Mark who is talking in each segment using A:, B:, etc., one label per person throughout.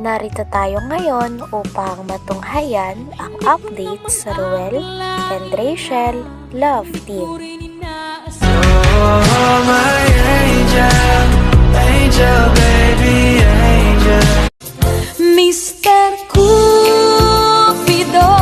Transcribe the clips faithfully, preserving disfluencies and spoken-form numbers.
A: Narito tayo ngayon upang matunghayan ang update sa Ruel and Rachel Love Team.
B: Oh, my angel, angel, baby, angel.
C: mister Cupido,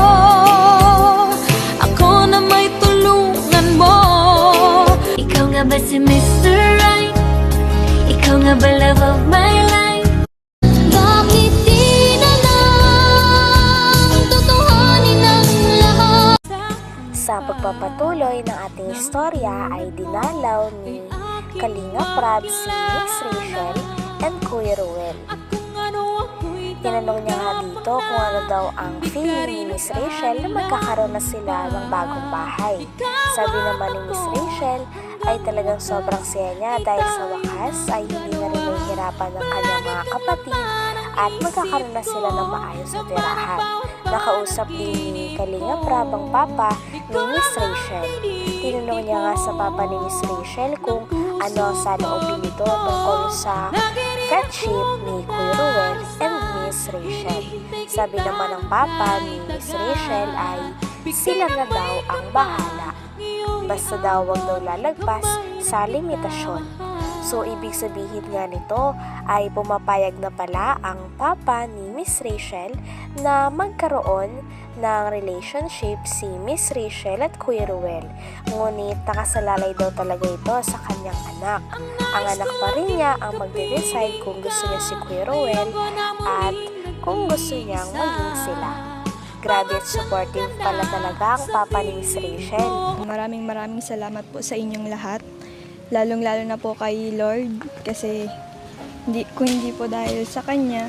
C: ako na may tulungan mo. Ikaw nga ba si mister Right? Ikaw nga ba love of my life? Bakit di na lang tutuhanin ang lahat?
A: Sa pagpapatuloy ng ating istorya ay dinalaw ni Kalinga Prab si Miss Rachel and Kuya Ruel. Tinanong niya nga dito kung ano daw ang feeling ni Miss Rachel na magkakaroon na sila ng bagong bahay. Sabi naman ni Miss Rachel ay talagang sobrang saya niya dahil sa wakas ay hindi na rin nahihirapan ng kanyang mga kapatid at magkakaroon na sila ng maayos na tirahan. Nakausap din ni Kalinga Prab ang papa ni Miss Rachel. Tinanong niya nga sa papa ni Miss Rachel kung ano sa loobin nito tungkol sa friendship ni Kuya Ruel and Miss Rachel. Sabi naman ng papa ni Miss Rachel ay sila na daw ang bahala. Basta daw wag daw lalagpas sa limitasyon. So, ibig sabihin nga nito ay pumapayag na pala ang papa ni Miss Rachel na magkaroon ng relationship si Miss Rachel at Kuya Ruel. Ngunit nakasalalay daw talaga ito sa kanyang anak. Ang anak pa rin niya ang magde-decide kung gusto niya si Kuya Ruel at kung gusto niyang maging sila. Grabe at supportive pala talaga ang papa ni Miss Rachel.
D: Maraming maraming salamat po sa inyong lahat. Lalong-lalo na po kay Lord kasi hindi, kung hindi po dahil sa Kanya,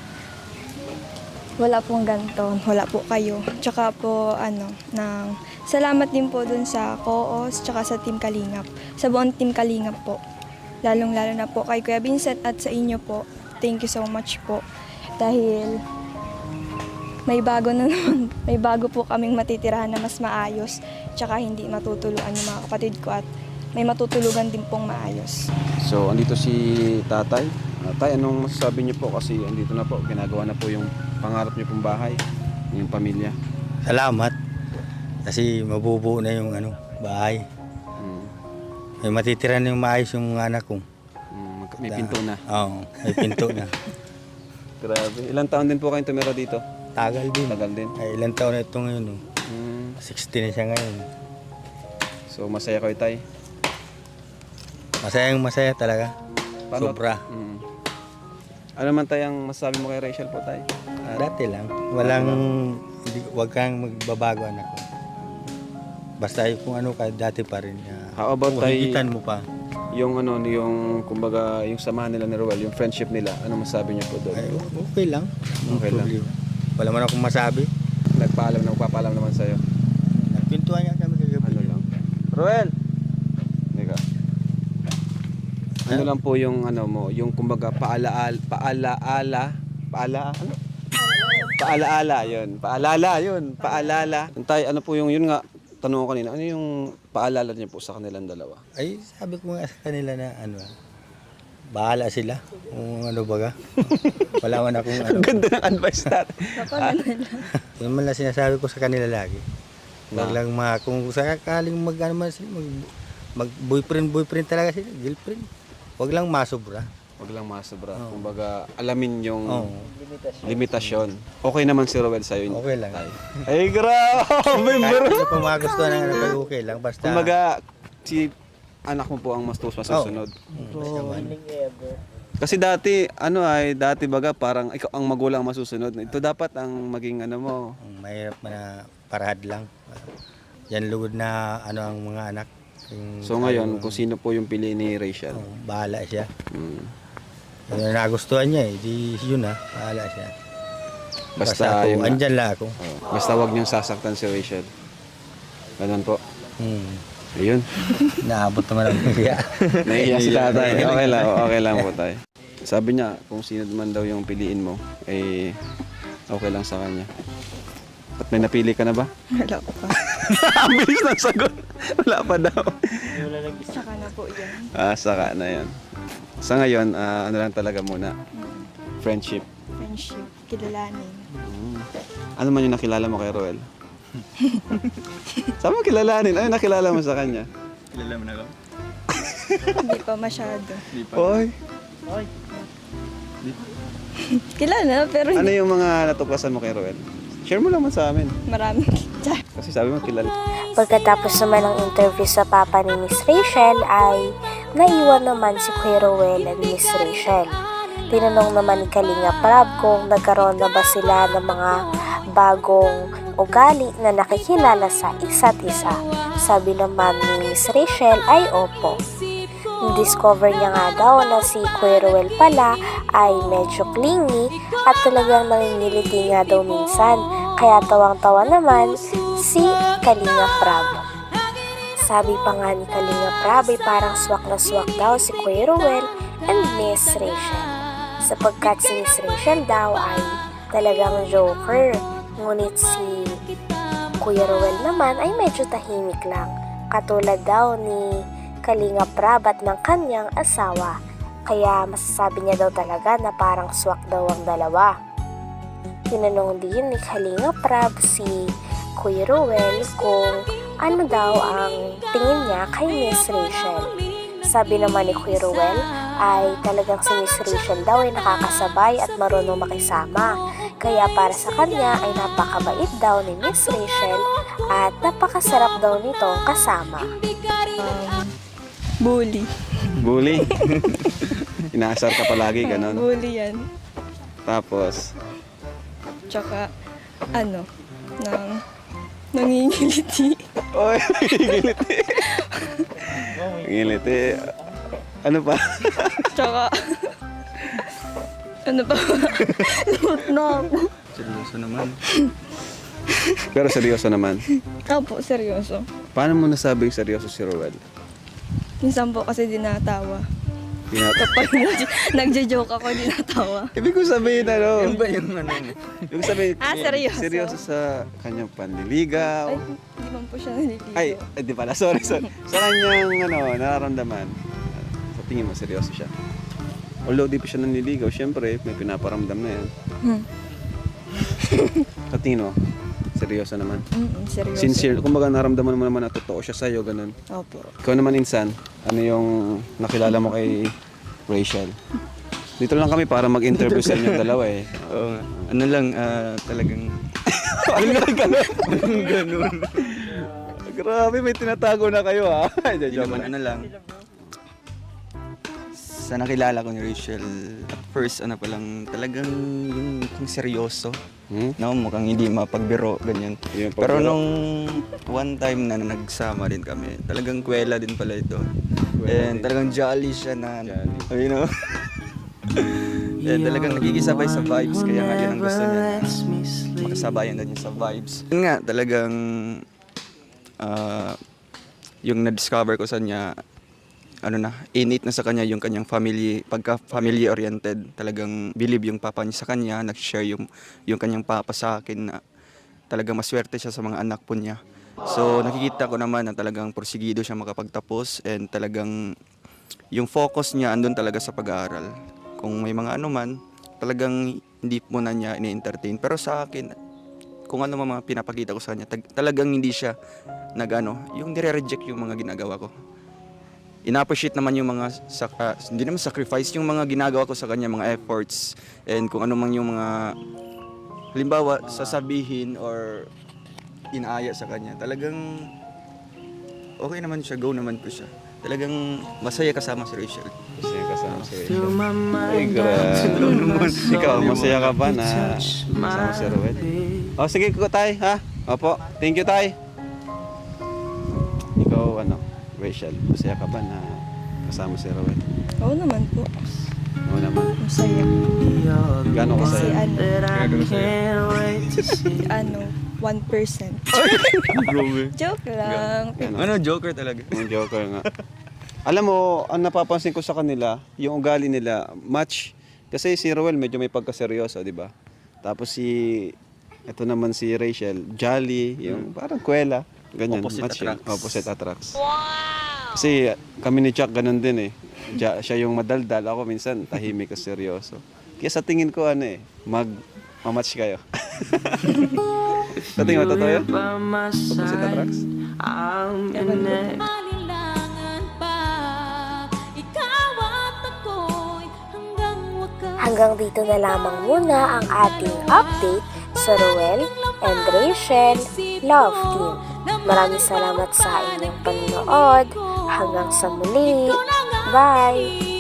D: wala pong ganito, wala po kayo. Tsaka po, ano, ng, salamat din po dun sa Co-os, tsaka sa Team Kalingap, sa buong Team Kalingap po. Lalong-lalo na po kay Kuya Vincent at sa inyo po. Thank you so much po. Dahil may bago na naman, may bago po kaming matitirahan na mas maayos, tsaka hindi matutuluan yung mga kapatid ko at may matutulugan din pong maayos.
E: So, andito si tatay. Uh, tay, anong masasabi niyo po kasi andito na po, ginagawa na po yung pangarap niyo pong bahay, yung pamilya.
F: Salamat kasi mabubuo na yung ano, bahay.
E: Hmm.
F: May matitira na yung maayos yung mga anak ko.
E: Hmm, may pinto na.
F: Oo, may pinto na.
E: Grabe. Ilang taon din po kayong tumira dito?
F: Tagal din.
E: Tagal din.
F: Ay, ilang taon na ito ngayon. Oh.
E: Hmm.
F: sixty na siya ngayon.
E: So, masaya kayo, tay?
F: Masayang masaya talaga.
E: Paano?
F: Sobra.
E: Hmm. Ano man tayong masasabi mo kay Rachel po, tay?
F: Ah, dati lang. Walang, hindi, wag kang magbabago anak ko. Basta yung kung ano ka, dati pa rin. Uh,
E: How about tay?
F: Higitan mo pa.
E: Yung ano, yung kumbaga, yung samahan nila ni Ruel, yung friendship nila, ano masasabi niyo po doon?
F: Ay, okay lang.
E: Okay lang.
F: Wala man akong masabi.
E: Nagpaalam na, magpapaalam naman sa'yo.
F: Nagpintuan niya kami kagabi.
E: Ano lang? Ruel! Teka. Ano lang po yung ano mo, yung kumbaga paalaal, paalaala, paala, ano? Paalaala, yun. Paalala, yun. Paalala. Tay, ano po yung, yun nga, tanong ko kanina, ano yung paalala niyo po sa kanilang dalawa?
F: Ay, sabi ko nga sa kanila na ano, bahala sila kung ano baga. Wala man akong ano.
E: Ang ganda ng advice natin.
F: Yun man lang sinasabi ko sa kanila lagi. Wag
E: Na?
F: lang mga, kung sakaling mag, ano man sila, mag, mag boyfriend, boyfriend talaga sila, girlfriend. Wag lang masobra.
E: Wag lang masobra.
F: Oo.
E: Kumbaga, alamin yung
F: Oo.
E: limitasyon. Okay naman si Ruel sa'yo.
F: Okay lang.
E: Tay. Ay, grabe,
F: Kahit
E: bro.
F: ano pa magustuhan ng ano, kayo, okay lang. Basta,
E: Kumbaga, si anak mo po ang mas masusunod.
F: mm, basta man.
E: Kasi dati, ano ay, dati baga parang ikaw ang magulang ang masusunod. Ito dapat ang maging ano mo.
F: Mm, Mahirap na parahad lang. Yan lugod na ano ang mga anak. Yung,
E: So ngayon, kung sino po yung pili ni Rachel.
F: oh, bahala siya.
E: Hmm.
F: Yung nagustuhan niya eh, di yun na, bahala siya.
E: Basta,
F: Basta ako,
E: yung,
F: andyan lang ako.
E: oh, basta wag niyong sasaktan si Rachel. Ganun po.
F: Hmm.
E: Ayun.
F: Naabot naman ang kaya.
E: Naiiyak si tatay. Okay lang, okay lang po tayo. Sabi niya, kung sino man daw yung piliin mo, eh, okay lang sa kanya. At may napili ka na ba?
D: Wala ko pa.
E: Ang bilis ng sagot. Wala pa daw.
D: Saka na po yan.
E: Ah, saka na yan. Sa ngayon, ah, ano lang talaga muna. Friendship.
D: Friendship. friendship, kilalanin.
E: Hmm. Ano man yung nakilala mo kay Roel? Saan mo kilalanin? Ano yung nakilala mo sa kanya?
F: Kilala mo na ako?
D: Hindi pa masyado.
E: Oy,
D: Kilala, pero
E: ano
D: hindi
E: yung mga natuklasan mo kay Roel? Share mo naman sa amin.
D: marami.
E: Kasi sabi mo kilala.
A: Pagkatapos naman ng interview sa papa ni Miss Rachel ay naiwan naman si Kuya Ruel at Miss Rachel. Tinanong naman ni Kalinga Prab kung nagkaroon na ba sila ng mga bagong ugali na nakikilala sa isa't isa. Sabi naman ni Miss Rachel ay opo. Discover niya nga daw na si Kuya Ruel pala ay medyo clingy at talagang nangingiliti nga daw minsan. Kaya tawang-tawa naman si Kalinga Prab. Sabi pa nga ni Kalinga Prab ay parang swak na swak daw si Kuya Ruel and Miss Rachel. Sapagkat si Miss Rachel daw ay talagang joker. Ngunit si Kuya Ruel naman ay medyo tahimik lang. Katulad daw ni Kalinga Prab at ng kanyang asawa. Kaya masasabi niya daw talaga na parang swak daw ang dalawa. Tinanong din ni Kalinga Prab si Kuya Ruel kung ano daw ang tingin niya kay Miss Rachel. Sabi naman ni Kuya Ruel ay talagang si Miss Rachel daw ay nakakasabay at marunong makisama. Kaya para sa kanya ay napakabait daw ni Miss Rachel at napakasarap daw nitong kasama.
D: Um, bully.
E: Bully. Inaasar ka palagi,
D: Ah,
E: ganon.
D: bully yan.
E: Tapos,
D: Tsaka, ano, nang nangingiliti.
E: oy, ngiliti. Ngiliti. Ano pa?
D: Tsaka, ano pa ba? Limot na ako.
F: Seryoso naman.
E: Pero seryoso naman.
D: Opo, seryoso.
E: Paano mo nasabing seryoso si Roel?
D: Minsan po kasi dinatawa.
E: Pinat-
D: Kapag nag- nagja-joke ako, dinatawa.
E: Ibig ko sabihin, ano?
F: Yan ba yung ano mo?
E: Ibig sabihin,
D: Ah, seryoso?
E: seryoso sa kanyang panliligaw.
D: Ay, hindi man po siya naliligo.
E: Ay, ay, di pala, sorry, sorry. Sa kanyang, ano, nararamdaman, sa tingin mo, seryoso siya. Although di pa siya nanliligaw, syempre, may pinaparamdam na yan.
D: Hmm.
E: Sa tingin mo, seryoso naman.
D: Mm, seryoso.
E: Sincere, kumbaga naramdaman mo naman na totoo siya sa'yo, ganun.
D: Opo.
E: Ikaw naman, Insan, ano yung nakilala mo kay Rachel? Dito lang kami para mag-interview sa inyong dalawa eh.
F: Oo nga. Ano lang, ah, talagang...
E: Ano nga ganun? ganun. Grabe, may tinatago na kayo ha.
F: Hindi
E: Joke
F: naman,
E: lang.
F: ano lang. Sa nakilala ko ni Rachel, at first, ano pa lang, talagang yung, yung seryoso.
E: Hmm?
F: No, mukhang hindi mapagbiro, ganyan.
E: Yung
F: Pero
E: pagbiro.
F: nung one time na nagsama din kami, talagang kwela din pala ito. And
E: din.
F: talagang jolly siya na,
E: Jolly.
F: you know. And talagang nagkikisabay sa vibes, kaya nga yun ang gusto niya. Makasabayan din niya sa vibes. Yun nga, talagang ah, yung na-discover ko sa niya, ano na, innate na sa kanya yung kanyang family, pagka family oriented, talagang believe yung papa niya sa kanya, nag-share yung, yung kanyang papa sa akin na talagang maswerte siya sa mga anak po niya. So nakikita ko naman na talagang porsigido siya makapagtapos and talagang yung focus niya andun talaga sa pag-aaral. Kung may mga ano man, talagang hindi po na niya ini-entertain. Pero sa akin, kung ano mga pinapakita ko sa kanya, tag- talagang hindi siya nag-ano, yung nire-reject yung mga ginagawa ko. Ina-appreciate naman yung mga, sak- ah, hindi naman sacrifice, yung mga ginagawa ko sa kanya, mga efforts, and kung ano man yung mga, halimbawa, sasabihin or inaaya sa kanya, talagang okay naman siya, go naman po siya. Talagang masaya kasama si Rachel.
E: Masaya kasama si Rachel. Ay, grabe. Ikaw, masaya ka ba na kasama si Roel? O, sige ko, Tay, ha? Opo, thank you, Tay. Ikaw, ano, Rachel, masaya ka ba na kasama si Roel?
D: Oo naman po.
E: Oo naman.
D: Masaya.
E: Gano'n ka
D: Kasi
E: sa'yo?
D: ano, ano, one percent. Joke lang.
E: Gano'n.
F: Ano, joker talaga.
E: Yung joker nga. Alam mo, ang napapansin ko sa kanila, yung ugali nila, match. Kasi si Roel medyo may pagkaseryoso, di ba? Tapos si, ito naman si Rachel, jolly, yung parang kwela. Ganyan,
F: Opposite
E: match yun.
F: attracts.
E: Opposite attracts. Kasi kami ni Chuck ganun din eh. Ja, siya yung madaldal, ako minsan tahimik at seryoso. Kaya sa tingin ko ano eh, mag mamatch kayo. Sa tingin mo totoo yun? Opposite attracts?
C: Alilangan pa, ikaw at ako'y hanggang wakas.
A: Hanggang dito na lamang muna ang ating update sa Ruel and Rachel Love Team. Maraming salamat sa inyong panonood. Hanggang sa muli. Bye!